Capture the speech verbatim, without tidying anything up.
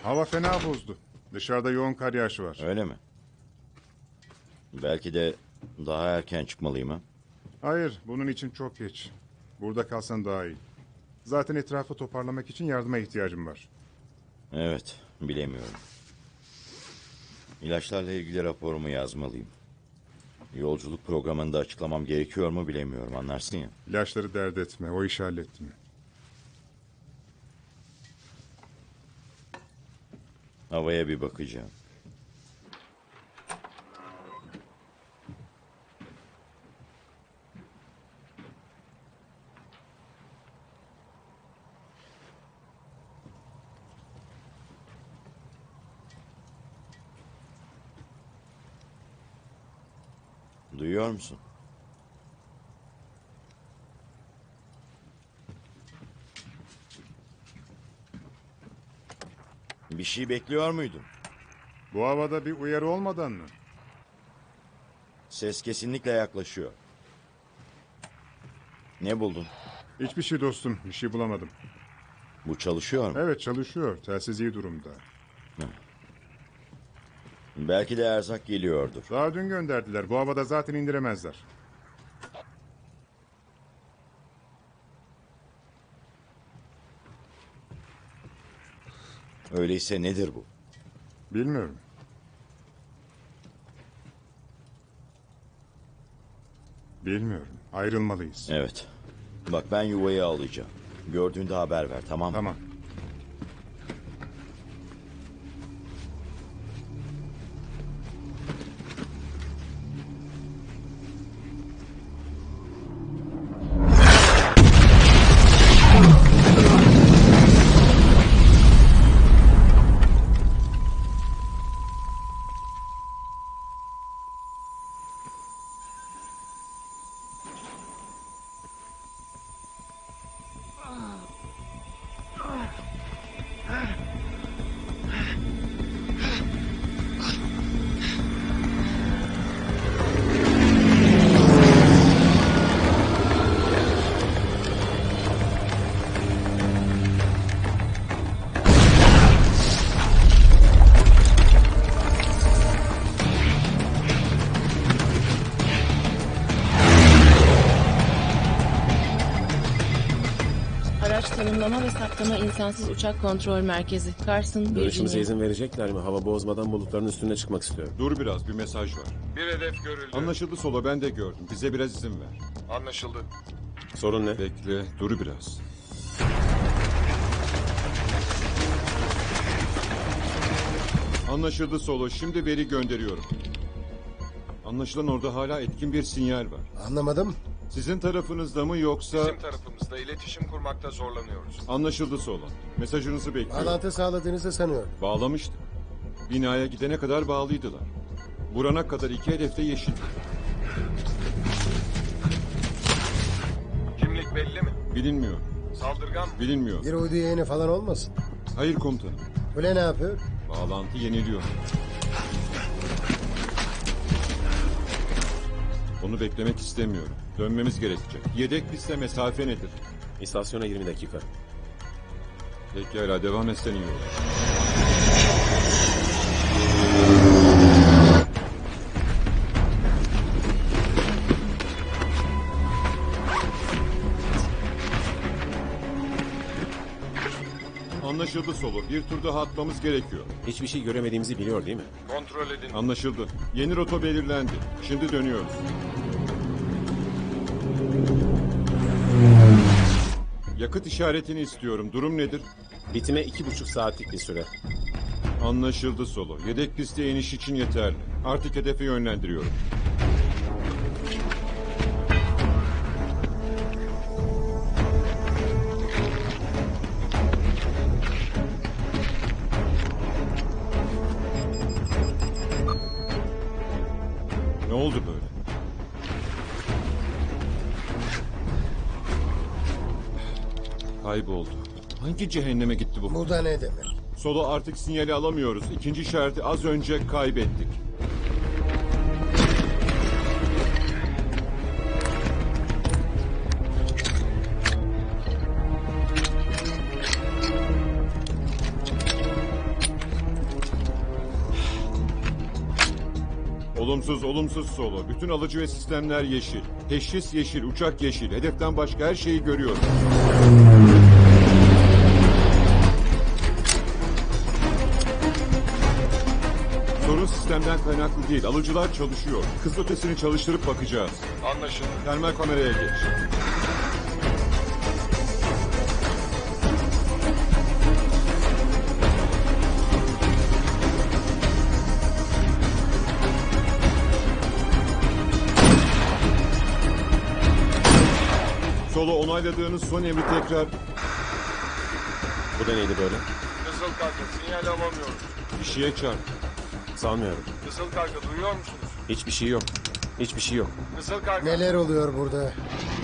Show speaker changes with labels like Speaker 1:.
Speaker 1: Hava fena bozdu. Dışarıda yoğun kar yağışı var.
Speaker 2: Öyle mi? Belki de daha erken çıkmalıyım ha?
Speaker 1: Hayır, bunun için çok geç. Burada kalsan daha iyi. Zaten etrafı toparlamak için yardıma ihtiyacım var.
Speaker 2: Evet, bilemiyorum. İlaçlarla ilgili raporumu yazmalıyım. Yolculuk programını da açıklamam gerekiyor mu bilemiyorum, anlarsın ya.
Speaker 1: İlaçları dert etme, o işi hallettim.
Speaker 2: Havaya bir bakacağım. Duyuyor musun? Bir şey bekliyor muydun?
Speaker 1: Bu havada bir uyarı olmadan mı?
Speaker 2: Ses kesinlikle yaklaşıyor. Ne buldun?
Speaker 1: Hiçbir şey dostum, bir şey bulamadım.
Speaker 2: Bu çalışıyor mu?
Speaker 1: Evet, çalışıyor. Telsiz iyi durumda.
Speaker 2: Belki de erzak geliyordur.
Speaker 1: Daha dün gönderdiler. Bu havada zaten indiremezler.
Speaker 2: Öyleyse nedir bu?
Speaker 1: Bilmiyorum. Bilmiyorum. Ayrılmalıyız.
Speaker 2: Evet. Bak ben yuvayı alacağım. Gördüğünde haber ver, tamam mı?
Speaker 1: Tamam.
Speaker 3: Araç tanımlama ve saptama insansız uçak kontrol merkezi. Carson,
Speaker 4: Görüşümüze
Speaker 3: Virginia.
Speaker 4: izin verecekler mi? Hava bozmadan bulutların üstüne çıkmak istiyorum.
Speaker 5: Dur biraz, bir mesaj var.
Speaker 6: Bir hedef görüldü.
Speaker 5: Anlaşıldı Solo, ben de gördüm. Bize biraz izin ver.
Speaker 6: Anlaşıldı.
Speaker 4: Sorun ne?
Speaker 5: Bekle, dur biraz. Anlaşıldı Solo, şimdi veri gönderiyorum. Anlaşılan orada hala etkin bir sinyal var.
Speaker 7: Anlamadım.
Speaker 5: Sizin tarafınızda mı yoksa...
Speaker 6: Bizim tarafımızda iletişim kurmakta zorlanıyoruz.
Speaker 5: Anlaşıldı Solo. Mesajınızı bekliyorum.
Speaker 7: Bağlantı sağladığınızı sanıyorum.
Speaker 5: Bağlamıştık. Binaya gidene kadar bağlıydılar. Vurana kadar iki hedefte yeşil.
Speaker 6: Kimlik belli mi?
Speaker 5: Bilinmiyor.
Speaker 6: Saldırgan mı?
Speaker 5: Bilinmiyor.
Speaker 7: Bir uydu yayını falan olmasın.
Speaker 5: Hayır komutanım.
Speaker 7: Kule ne yapıyor?
Speaker 5: Bağlantı yeniliyor. Onu beklemek istemiyorum. Dönmemiz gerekecek. Yedek piste mesafe nedir?
Speaker 4: İstasyona yirmi dakika.
Speaker 5: Pekala devam etsen iyi olur. Anlaşıldı Solo. Bir tur daha atmamız gerekiyor.
Speaker 4: Hiçbir şey göremediğimizi biliyor değil mi?
Speaker 6: Kontrol edin.
Speaker 5: Anlaşıldı. Yeni rota belirlendi. Şimdi dönüyoruz. Yakıt işaretini istiyorum. Durum nedir?
Speaker 4: Bitime iki buçuk saatlik bir süre.
Speaker 5: Anlaşıldı Solo. Yedek piste iniş için yeterli. Artık hedefe yönlendiriyorum. Ne oldu böyle? Kayboldu. Hangi cehenneme gitti bu?
Speaker 7: Bu da ne demek?
Speaker 5: Solo artık sinyali alamıyoruz. İkinci işareti az önce kaybettik. Olumsuz, olumsuz solo. Bütün alıcı ve sistemler yeşil. Teşhis yeşil, uçak yeşil. Hedeften başka her şeyi görüyorum. Sorun sistemden kaynaklı değil. Alıcılar çalışıyor. Hız ötesini çalıştırıp bakacağız.
Speaker 6: Anlaşıldı.
Speaker 5: Termal kameraya geç. Solo onayladığınız son emri tekrar...
Speaker 4: Bu da neydi böyle?
Speaker 6: Kızıl Karga sinyal alamıyoruz.
Speaker 5: Bir şeye çarp.
Speaker 4: Sanmıyorum.
Speaker 6: Kızıl Karga duyuyor musunuz?
Speaker 4: Hiçbir şey yok. Hiçbir şey yok.
Speaker 6: Kızıl Karga.
Speaker 7: Neler oluyor burada?